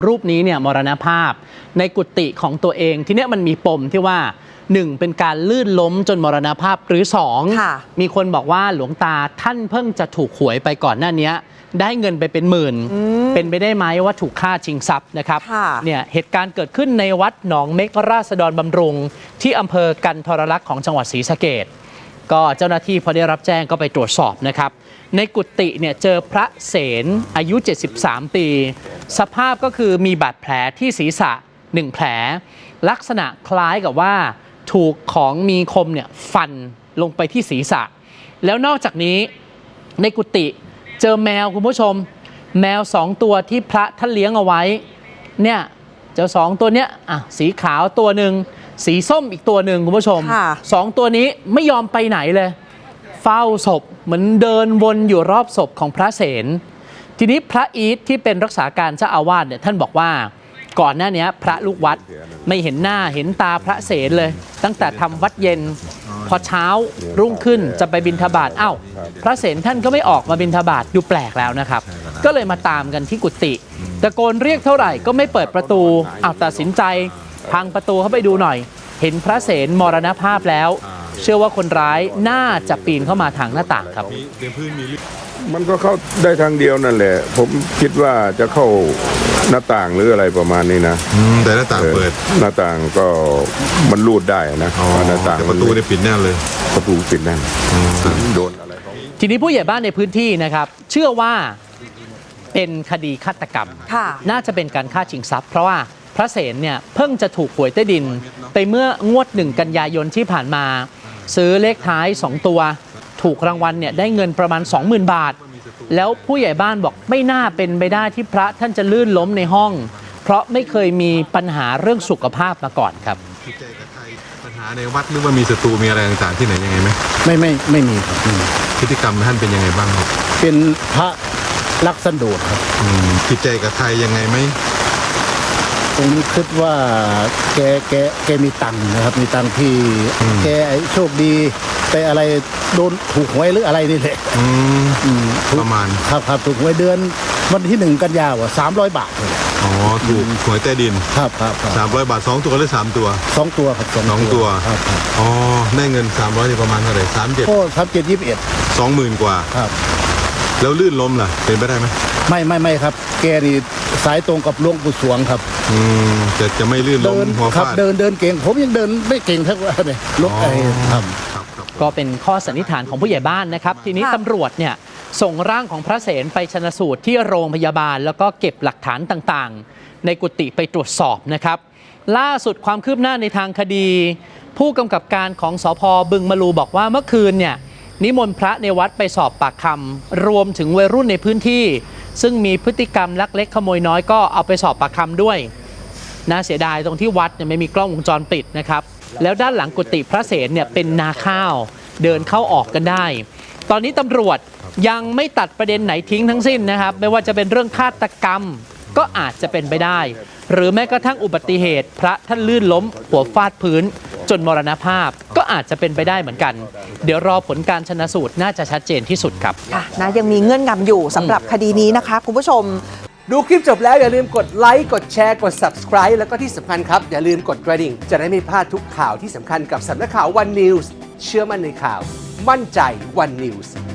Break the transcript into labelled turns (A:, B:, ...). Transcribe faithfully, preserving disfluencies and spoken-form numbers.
A: รูปนี้เนี่ยมรณภาพในกุฏิของตัวเองทีเนี้ยมันมีปมที่ว่าหนึ่งเป็นการลื่นล้มจนมรณภาพหรือสองมีคนบอกว่าหลวงตาท่านเพิ่งจะถูกหวยไปก่อนหน้านี้ได้เงินไปเป็นหมื่นเป็นไปได้ไหมว่าถูกฆ่าชิงทรัพย์นะครับเนี่ยเหตุการณ์เกิดขึ้นในวัดหนองเม็กราษฎรบำรุงที่อำเภอกันทรลักษณ์ของจังหวัดศรีสะเกษก็เจ้าหน้าที่พอได้รับแจ้งก็ไปตรวจสอบนะครับในกุฏิเนี่ยเจอพระเสนอายุเจ็ดสิบสามปีสภาพก็คือมีบาดแผลที่ศีรษะหนึ่งแผลลักษณะคล้ายกับว่าถูกของมีคมเนี่ยฟันลงไปที่ศีรษะแล้วนอกจากนี้ในกุฏิเจอแมวคุณผู้ชมแมวสองตัวที่พระท่านเลี้ยงเอาไว้เนี่ยเจ้าสองตัวเนี้ยอ่ะสีขาวตัวหนึ่งสีส้มอีกตัวหนึ่งคุณผู้ชมสองตัวนี้ไม่ยอมไปไหนเลยเฝ้าศพเหมือนเดินวนอยู่รอบศพของพระเสนทีนี้พระอีทที่เป็นรักษาการเจ้าอาวาสเนี่ยท่านบอกว่าก่อนหน้านี้พระลูกวัดไม่เห็นหน้าเห็นตาพระเสนเลยตั้งแต่ทำวัดเย็นพอเช้ารุ่งขึ้นจะไปบิณฑบาตอ้าวพระเสนท่านก็ไม่ออกมาบิณฑบาตดูแปลกแล้วนะครับก็เลยมาตามกันที่กุฏิตะโกนเรียกเท่าไหร่ก็ไม่เปิดประตูอ้าวตัดสินใจพังประตูเข้าไปดูหน่อยเห็นพระเสนมรณภาพแล้วเชื่อว่าคนร้ายน่าจะปีนเข้ามาทางหน้าต่างครับ
B: มันก็เข้าได้ทางเดียวนั่นแหละผมคิดว่าจะเข้าหน้าต่างหรืออะไรประมาณนี้นะ
C: แต่หน้าต่างเปิด
B: หน้าต่างก็มันรูดได้นะหน้าต่าง
C: แต่ประตูได้ปิดแน่เลย
B: ประตูปิดแน่โดนอะไร
A: ทีนี้ผู้ใหญ่บ้านในพื้นที่นะครับเชื่อว่าเป็นคดีฆาตกรรมน่าจะเป็นการฆ่าชิงทรัพย์เพราะว่าพระเสนเนี่ยเพิ่งจะถูกหวยใต้ดินไปเมื่องวดหนึ่งกันยายนที่ผ่านมาซื้อเลขท้ายสองตัวถูกรางวัลเนี่ยได้เงินประมาณ สองหมื่น บาทแล้วผู้ใหญ่บ้านบอกไม่น่าเป็นไปได้ที่พระท่านจะลื่นล้มในห้องเพราะไม่เคยมีปัญหาเรื่องสุขภาพมาก่อนครับ
C: ปัญหาในวัดหรือว่ามีศัตรูมีอะไรต่างๆที่ไหนยังไงไหม
D: ไม่ไม่ไม่มีครับ
C: พฤติกรรมท่านเป็นยังไงบ้างครับ
D: เป็นพระรักสันโดษครับ
C: จิตใจกับใครยังไงไหม
D: ผมคิดว่าแกแกแกมีตังค์นะครับมีตังค์ที่แกโชคดีไปอะไรโดนถูกหวยหรืออะไรนี่แหละ
C: ประมาณ
D: ครับครับถูกหวยเดือนวันที่หนึ่งกันยาวอ่ะสามร้อยบาทเลย
C: อ๋อถูกหวยใต้ดิน
D: ครับครับ
C: สามร้อยบาทสองตัวหรือสามตัว
D: สองตัวครับ
C: สองตัว
D: ครับ
C: อ๋อได้เงินสามร้อยนี่ประมาณเท่าไหร่สามเจ็ด
D: ก็สามเจ็ดยี่สิบเอ็ด
C: สองหมื่นกว่า
D: ครับ
C: แล้วลื่นล้มล่ะเป็นไปได้ไหม
D: ไม่ไม่ไม่ครับแกนี่สายตรงกับหลวงปู่สวงครับ
C: อืมจะจะไม่ลื่นล้มหัวฟาด
D: เดินเดินเก่งผมยังเดินไม่เก่งเท่าเลยลุกไอ้ครับ
A: ก็เป็นข้อสันนิษฐานของผู้ใหญ่บ้านนะครับทีนี้ตำรวจเนี่ยส่งร่างของพระเสนไปชันสูตรที่โรงพยาบาลแล้วก็เก็บหลักฐานต่างๆในกุฏิไปตรวจสอบนะครับล่าสุดความคืบหน้าในทางคดี ผู้กำกับการของสภ.บึงมะลูบอกว่าเมื่อคืนเนี่ยนิมนต์พระในวัดไปสอบปากคำรวมถึงวัยรุ่นในพื้นที่ซึ่งมีพฤติกรรมลักเล็กขโมยน้อยก็เอาไปสอบปากคำด้วยน่าเสียดายตรงที่วัดเนี่ยไม่มีกล้องวงจรปิดนะครับแล้วด้านหลังกุฏิพระเสนเนี่ยเป็นนาข้าวเดินเข้าออกกันได้ตอนนี้ตำรวจยังไม่ตัดประเด็นไหนทิ้งทั้งสิ้นนะครับไม่ว่าจะเป็นเรื่องฆาตกรรมก็อาจจะเป็นไปได้หรือแม้กระทั่งอุบัติเหตุพระท่านลื่นล้มหัวฟาดพื้นจนมรณภาพก็อาจจะเป็นไปได้เหมือนกันเดี๋ยวรอผลการชันสูตรน่าจะชัดเจนที่สุดครับ
E: นะยังมีเงื่อนงำอยู่สำหรับคดีนี้นะคะคุณผู้ชม
F: ดูคลิปจบแล้วอย่าลืมกดไลค์กดแชร์กด ซับสไครบ์ แล้วก็ที่สำคัญครับอย่าลืมกดกระดิ่งจะได้ไม่พลาดทุกข่าวที่สำคัญกับสำนักข่าว วัน นิวส์ เชื่อมั่นในข่าวมั่นใจ วัน นิวส์